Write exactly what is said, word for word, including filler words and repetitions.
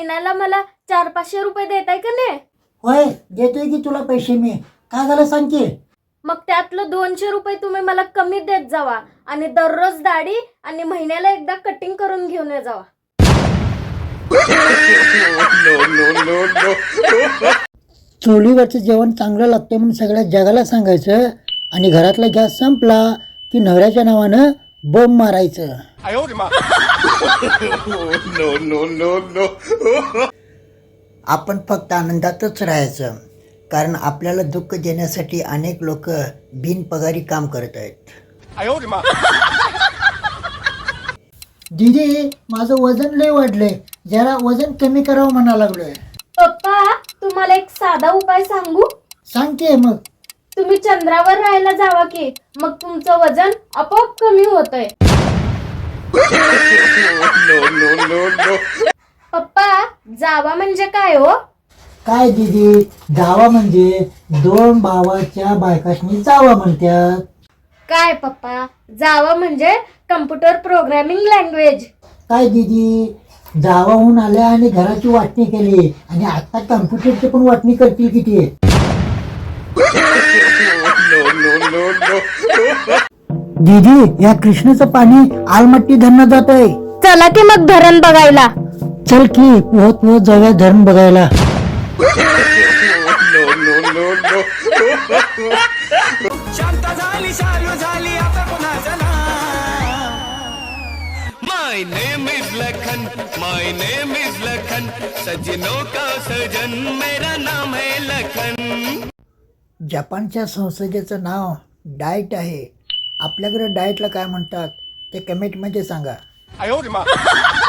महिन्याला मला चार पाचशे रुपये देताय का नाही? होय देतोय की तुला पैसे मी. काय झालं सांग की. मग त्यातलं दोनशे रुपये तुम्ही मला कमी देत जावा आणि दररोज दाढी आणि महिन्याला एकदा कटिंग करून घेऊन ये जावा. चुलीवरचं जेवण चांगलं लागतं म्हणून सगळ्या जगाला सांगायचं आणि घरातला गॅस संपला की नवऱ्याच्या नावानं बॉम्ब मारायचं. आपण फक्त आनंदातच राहायचं, कारण आपल्याला दुःख देण्यासाठी अनेक लोक बिनपगारी काम करत आहेत. दीदी माझं वजन लय वाढलंय, जरा वजन कमी करावं म्हणा लागलोय. पप्पा तुम्हाला एक साधा उपाय सांगू? सांगते मग. तुम्ही चंद्रावर राहायला जावा की, मग तुमचं वजन आपोआप कमी होतंय. पप्पा जावा म्हणजे काय हो? काय दीदी, जावा म्हणजे दोन भावाच्या बायकाशनी जावा म्हणतात. काय पप्पा, जावा म्हणजे कम्प्युटर प्रोग्रामिंग लँग्वेज. काय दीदी, जावाहून आल्या आणि घराची वाटणी केली आणि आता कम्प्युटरची पण वाटणी करतील किती. दीदी या कृष्णाचं पाणी आलमट्टी धरण जात आहे. चला की मग धरण बघायला. चल की पोहत पोहत जाऊया धरण बघायला. शांत झाली शालू झाली आता पुन्हा चला. My name is Lakhan, my name is Lakhan, सजनों का सजन मेरा नाम है लखन. जपानच्या संसदेचं नाव डाएट आहे. आपल्याकडे डाएटला काय म्हणतात ते कमेंटमध्ये सांगा.